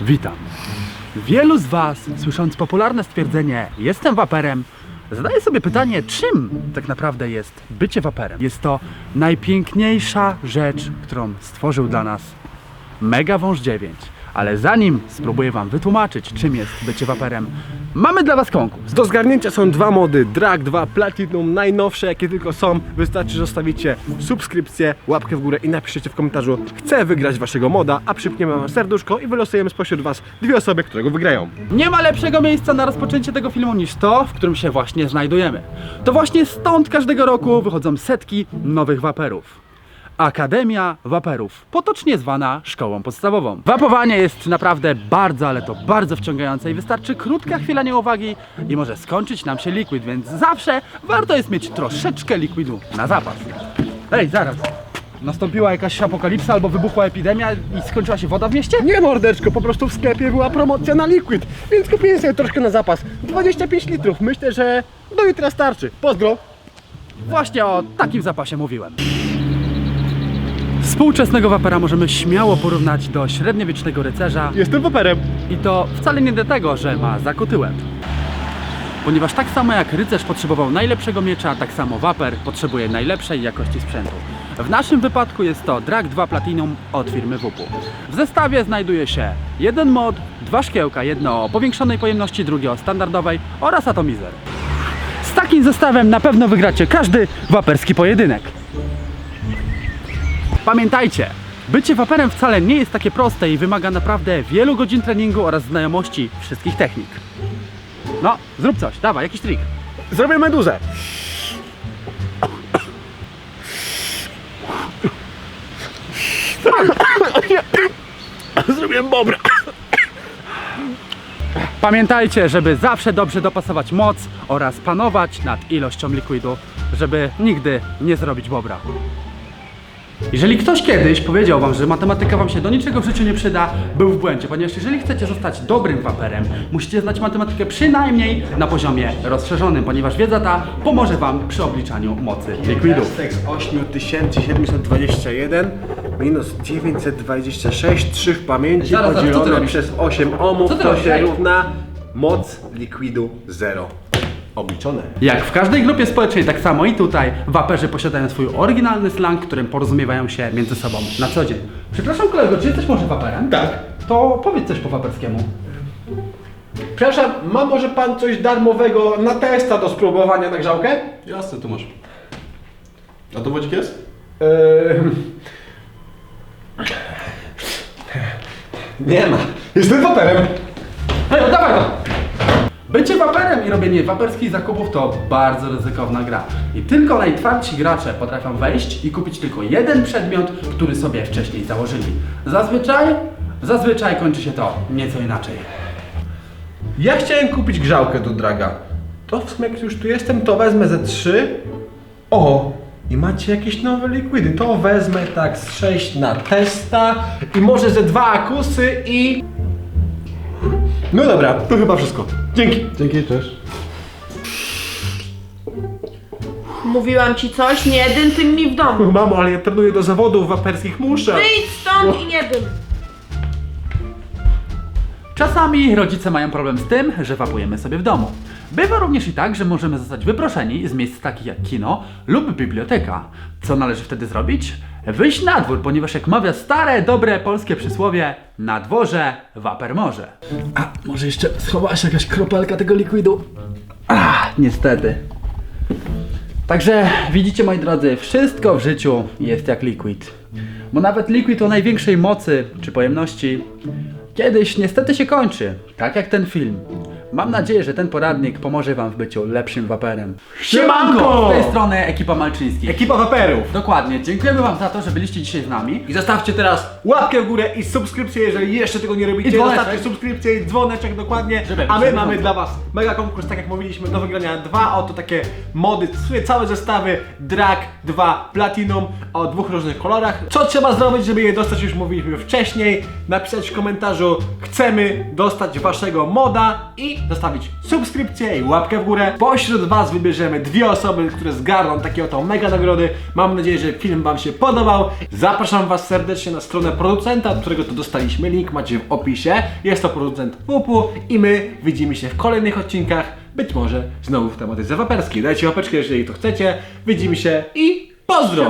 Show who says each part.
Speaker 1: Witam. Wielu z Was, słysząc popularne stwierdzenie "jestem waperem", zadaje sobie pytanie, czym tak naprawdę jest bycie waperem. Jest to najpiękniejsza rzecz, którą stworzył dla nas Mega Wąż 9. Ale zanim spróbuję Wam wytłumaczyć, czym jest bycie waperem, mamy dla Was konkurs.
Speaker 2: Do zgarnięcia są dwa mody, Drag 2 Platinum, najnowsze jakie tylko są. Wystarczy, że zostawicie subskrypcję, łapkę w górę i napiszecie w komentarzu "chcę wygrać waszego moda", a przypniemy wam serduszko i wylosujemy spośród was dwie osoby, które go wygrają.
Speaker 1: Nie ma lepszego miejsca na rozpoczęcie tego filmu niż to, w którym się właśnie znajdujemy. To właśnie stąd każdego roku wychodzą setki nowych waperów. Akademia Waperów, potocznie zwana szkołą podstawową. Wapowanie jest naprawdę bardzo, ale to bardzo wciągające i wystarczy krótka chwila nieuwagi i może skończyć nam się liquid, więc zawsze warto jest mieć troszeczkę likwidu na zapas. Ej, zaraz. Nastąpiła jakaś apokalipsa albo wybuchła epidemia i skończyła się woda w mieście?
Speaker 2: Nie mordeczko, po prostu w sklepie była promocja na liquid, więc kupiłem sobie troszkę na zapas. 25 litrów, myślę, że do jutra starczy. Pozdro!
Speaker 1: Właśnie o takim zapasie mówiłem. Współczesnego wapera możemy śmiało porównać do średniowiecznego rycerza
Speaker 2: Jestem waperem.
Speaker 1: i to wcale nie dlatego, że ma zakuty łeb. Ponieważ tak samo jak rycerz potrzebował najlepszego miecza, tak samo waper potrzebuje najlepszej jakości sprzętu. W naszym wypadku jest to Drag 2 Platinum od firmy WUPU. W zestawie znajduje się jeden mod, dwa szkiełka, jedno o powiększonej pojemności, drugie o standardowej oraz atomizer. Z takim zestawem na pewno wygracie każdy waperski pojedynek. Pamiętajcie, bycie waperem wcale nie jest takie proste i wymaga naprawdę wielu godzin treningu oraz znajomości wszystkich technik. No, zrób coś, dawaj, jakiś trik.
Speaker 2: Zrobię meduzę. Zrobiłem bobra.
Speaker 1: Pamiętajcie, żeby zawsze dobrze dopasować moc oraz panować nad ilością likwidu, żeby nigdy nie zrobić bobra. Jeżeli ktoś kiedyś powiedział Wam, że matematyka Wam się do niczego w życiu nie przyda, był w błędzie, ponieważ jeżeli chcecie zostać dobrym waperem, musicie znać matematykę przynajmniej na poziomie rozszerzonym, ponieważ wiedza ta pomoże Wam przy obliczaniu mocy likwidu.
Speaker 2: Z 8721 minus 926, 3 w pamięci,
Speaker 1: Zaraz, co ty
Speaker 2: podzielone
Speaker 1: robisz?
Speaker 2: przez 8 ohmów,
Speaker 1: Co ty
Speaker 2: to
Speaker 1: robisz?
Speaker 2: się
Speaker 1: Ej.
Speaker 2: równa moc likwidu 0. Obliczone.
Speaker 1: Jak w każdej grupie społecznej, tak samo i tutaj waperzy posiadają swój oryginalny slang, którym porozumiewają się między sobą na co dzień. Przepraszam kolego, czy jesteś może waperem?
Speaker 2: Tak.
Speaker 1: To powiedz coś po waperskiemu.
Speaker 2: Przepraszam, ma może pan coś darmowego na testa do spróbowania na grzałkę?
Speaker 3: Jasne, tu masz. A to wodzik jest?
Speaker 2: Nie ma. Jestem waperem.
Speaker 1: Hej, oddawaj go! Bycie waperem i robienie waperskich zakupów to bardzo ryzykowna gra. I tylko najtwardsi gracze potrafią wejść i kupić tylko jeden przedmiot, który sobie wcześniej założyli. Zazwyczaj kończy się to nieco inaczej.
Speaker 2: Ja chciałem kupić grzałkę do draga. To w sumie jak już tu jestem, to wezmę ze 3. O! I macie jakieś nowe likwidy. To wezmę tak z 6 na testa i może ze 2 akusy i... No dobra, to chyba wszystko. Dzięki. Dzięki, cześć.
Speaker 4: Mówiłam ci coś, nie dym tym mi w domu.
Speaker 2: Mamo, ale ja trenuję do zawodów waperskich, muszę.
Speaker 4: Wyjdź stąd i nie dym.
Speaker 1: Czasami rodzice mają problem z tym, że wapujemy sobie w domu. Bywa również i tak, że możemy zostać wyproszeni z miejsc takich jak kino lub biblioteka. Co należy wtedy zrobić? Wyjść na dwór, ponieważ jak mawia stare, dobre polskie przysłowie, na dworze waper może. A może jeszcze schowała się jakaś kropelka tego likwidu? Niestety. Także widzicie, moi drodzy, wszystko w życiu jest jak liquid. Bo nawet liquid o największej mocy czy pojemności kiedyś niestety się kończy, tak jak ten film. Mam nadzieję, że ten poradnik pomoże Wam w byciu lepszym waperem.
Speaker 2: Siemanko!
Speaker 1: Z tej strony ekipa Malczyńskich.
Speaker 2: Ekipa waperów.
Speaker 1: Dokładnie, dziękujemy Wam za to, że byliście dzisiaj z nami.
Speaker 2: I zostawcie teraz łapkę w górę i subskrypcję, jeżeli jeszcze tego nie robicie.
Speaker 1: I dzwoneczek.
Speaker 2: Zostawcie subskrypcję i dzwoneczek dokładnie.
Speaker 1: Żeby
Speaker 2: A my
Speaker 1: być
Speaker 2: mamy
Speaker 1: na
Speaker 2: dla Was mega konkurs, tak jak mówiliśmy, do wygrania 2 oto takie mody, całe zestawy Drag 2 Platinum o 2 różnych kolorach. Co trzeba zrobić, żeby je dostać, już mówiliśmy wcześniej. Napisać w komentarzu "chcemy dostać Waszego moda" i zostawić subskrypcję i łapkę w górę. Pośród Was wybierzemy 2 osoby, które zgarną takie oto mega nagrody. Mam nadzieję, że film Wam się podobał. Zapraszam Was serdecznie na stronę producenta, od którego to dostaliśmy link, macie w opisie. Jest to producent Pupu i my widzimy się w kolejnych odcinkach, być może znowu w tematyce waperskiej. Dajcie łapeczkę, jeżeli to chcecie. Widzimy się i pozdro!